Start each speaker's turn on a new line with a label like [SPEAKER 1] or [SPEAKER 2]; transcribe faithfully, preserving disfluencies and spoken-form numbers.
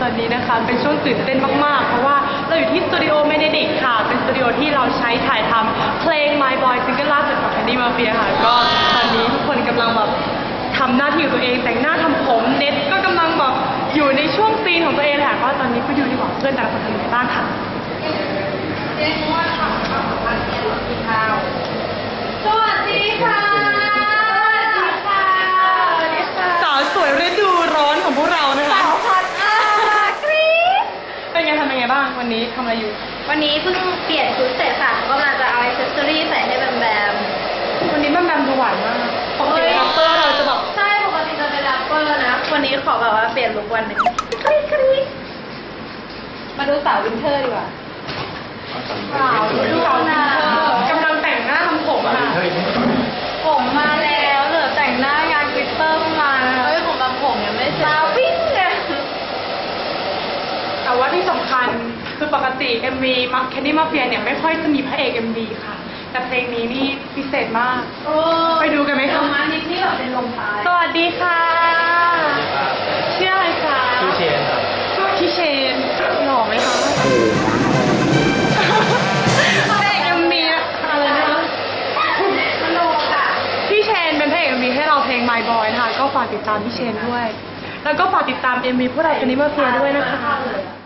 [SPEAKER 1] ตอนนี้นะคะเป็นช่วงตื่นเต้นมากๆเพราะว่าเราอยู่ที่สตูดิโอเมเนดิกค่ะเป็นสตูดิโอที่เราใช้ถ่ายทำเพลง My Boy ซิงเกิลล่าสุดของ Candy Mafia ค่ะก็ตอนนี้ทุกคนกำลังแบบทำหน้าที่ของตัวเองแต่งหน้าทำผมเน็ตก็กำลังแบบอยู่ในช่วงซีนของตัวเองเลยค่ะก็ตอนนี้ไปดูดีกว่าเพื่อนแต่ละคนทำอะไรบ้างค่ะ
[SPEAKER 2] เรียกว่าทำข้าวผัดเย็นกินข้าวสวัสดีค่ะ
[SPEAKER 1] สาวสวยฤดูร้อนของพวกเรานะคะ
[SPEAKER 2] สาวพัดอากรี๊ด
[SPEAKER 1] เป็นไงทำยังไงบ้างวันนี้ทำอะไรอยู่
[SPEAKER 2] วันนี้เพิ่งเปลี่ยนชุดเสร็จค่ะก็กำลังจะเอาอิเซสซอรี่ใส่ให้แบมแบม
[SPEAKER 1] วันนี้แบมแบมดูหวานมากปกติแรปเปอร์เราจะแบบ
[SPEAKER 2] ใช่ปกติจะเป็นแรปเปอร์นะวันนี้ขอแบบว่าเปลี่ยนลุควันหนึ่งกรี๊ดกรี๊ดมาดูสาววินเทอร์ดีกว่า
[SPEAKER 1] สาวดูสาววินเทอร์กำลังแต่งหน้าทำผมค่ะ
[SPEAKER 2] ผมมาแล้วเหลือแต่งหน้างานกลิตเตอร์มาเฮ้ยของบางผมยังไม่เสร็จมาวิ่งเลย
[SPEAKER 1] แต่ว่าที่สำคัญคือปกติ เอ็ม วี Candy Mafia เนี่ยไม่ค่อยจะมีพระเอก เอ็ม วี ค่ะแต่เพลงนี้นี่พิเศษมากไปดูกันไหมคะ
[SPEAKER 2] มานิดนี่แบบเป็นลมท้าย
[SPEAKER 1] สวัสดีค่ะชื่ออะไรคะ
[SPEAKER 3] ชื่อเชนครับ
[SPEAKER 1] ชื่อเชนหล่อไหมคะพระเอก เอ็ม วี อะไรนะคะ
[SPEAKER 2] โลค่ะ
[SPEAKER 1] พี่เชนเป็นพระเอก เอ็ม วี ให้เราเพลง My Boy นะคะก็ฝากติดตามพี่เชนด้วยแล้วก็ฝากติดตาม เอ็ม วี พวกเรา Candy Mafia ด้วยนะคะ